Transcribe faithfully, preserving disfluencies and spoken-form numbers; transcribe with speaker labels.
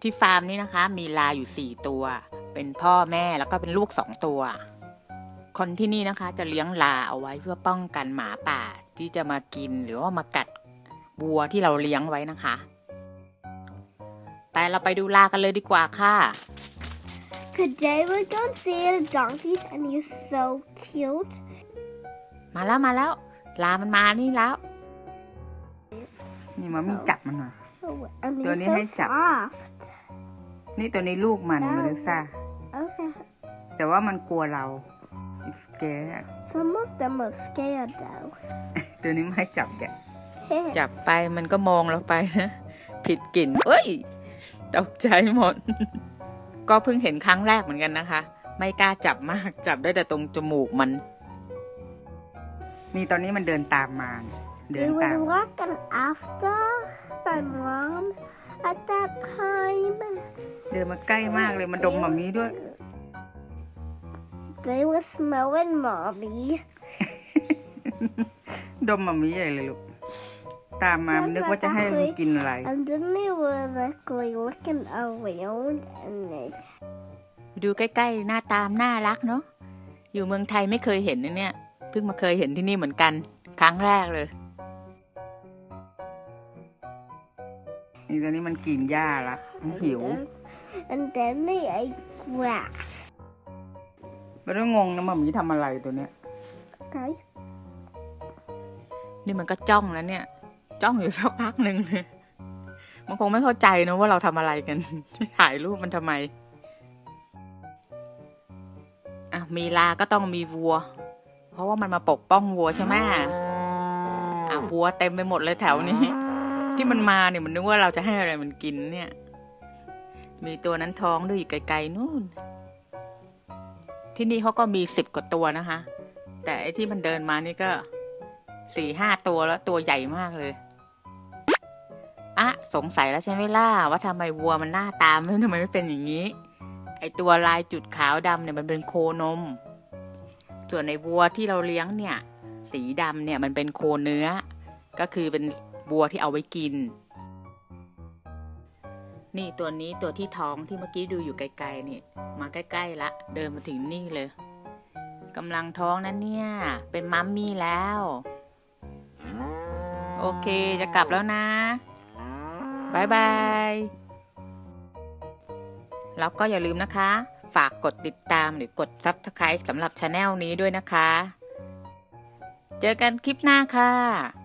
Speaker 1: ที่ฟาร์มนี้นะคะมีลาอยู่สี่ตัวเป็นพ่อแม่แล้วก็เป็นลูกสองตัวคนที่นี่นะคะจะเลี้ยงลาเอาไว้เพื่อป้องกันหมาป่าที่จะมากินหรือว่ามากัดวัวที่เราเลี้ยงไว้นะคะไปเราไปดูลากันเลยดีกว่าค่ะ
Speaker 2: Today we're going to see the donkeys and you're so cute.
Speaker 1: มาแล้วมาแล้วลามันมานี่แล้วนี่มามีจับมันหน่อย
Speaker 2: Oh, and
Speaker 1: Don't
Speaker 2: they're
Speaker 1: you
Speaker 2: so
Speaker 1: hate that?
Speaker 2: soft.
Speaker 1: นี่ตัวนี้ลูกมันเมลิซ่า
Speaker 2: Okay.
Speaker 1: แต่ว่ามันกลัวเรา It's scared
Speaker 2: Some of them are scared though.
Speaker 1: ตัวนี้ไม่ให้จับแกจับไปมันก็มองเราไปนะผิดกลิ่นเอ้ยตกใจหมด ก็เพิ่งเห็นครั้งแรกเหมือนกันนะคะ ไม่กล้าจับมากจับได้แต่ตรงจมูกมันนี่ตอนนี้มันเดินตามมาเดิน
Speaker 2: They
Speaker 1: ตาม
Speaker 2: were walking after my mom at that time.
Speaker 1: เดินมาใกล้มากเลยมันดมหมามีด้วย
Speaker 2: They were smelling mommy.
Speaker 1: ดมหมามีใหญ่เลยลูกตามมามันนึกว่าจะให้มันกินอะไร
Speaker 2: And then they were like looking around and they
Speaker 1: ดูใกล้ๆหน้าตามน่ารักเนาะอยู่เมืองไทยไม่เคยเห็นนะเนี่ยเพิ่งมาเคยเห็นที่นี่เหมือนกันครั้งแรกเลยนี่ตอนนี้มันกินหญ้าละมันหิว
Speaker 2: and then they ate grass.
Speaker 1: ไม่ต้องงงนะหมามีทำอะไรตัวเนี้ย
Speaker 2: Okay.
Speaker 1: นี่มันก็จ้องแล้วเนี่ยจ้องอยู่สักพักหนึ่งเลยมันคงไม่เข้าใจนะว่าเราทำอะไรกัน ถ่ายรูปมันทำไมอ่ะมีลาก็ต้องมีวัวเพราะว่ามันมาปกป้องวัวใช่ไหมอ่ะวัวเต็มไปหมดเลยแถวนี้ที่มันมาเนี่ยมันนึกว่าเราจะให้อะไรมันกินเนี่ยมีตัวนั้นท้องด้วยอยู่ไกลๆนู่นที่นี่เขาก็มีสิบกว่าตัวนะคะแต่ไอ้ที่มันเดินมานี่ก็สี่ห้าตัวแล้วตัวใหญ่มากเลยอ่ะสงสัยแล้วใช่ไหมล่ะว่าทำไมวัวมันหน้าตาไม่ทำไมไม่เป็นอย่างนี้ไอตัวลายจุดขาวดำเนี่ยมันเป็นโคนมส่วนในวัวที่เราเลี้ยงเนี่ยสีดำเนี่ยมันเป็นโคเนื้อก็คือเป็นวัวที่เอาไว้กินนี่ตัวนี้ตัวที่ท้องที่เมื่อกี้ดูอยู่ไกลๆนี่มาใกล้ๆละเดินมาถึงนี่เลยกำลังท้องนะเนี่ยเป็นมัมมี่แล้วโอเคจะกลับแล้วนะบายบายแล้วก็อย่าลืมนะคะฝากกดติดตามหรือกด ซับสไครบ์ สำหรับชาแนลนี้ด้วยนะคะเจอกันคลิปหน้าค่ะ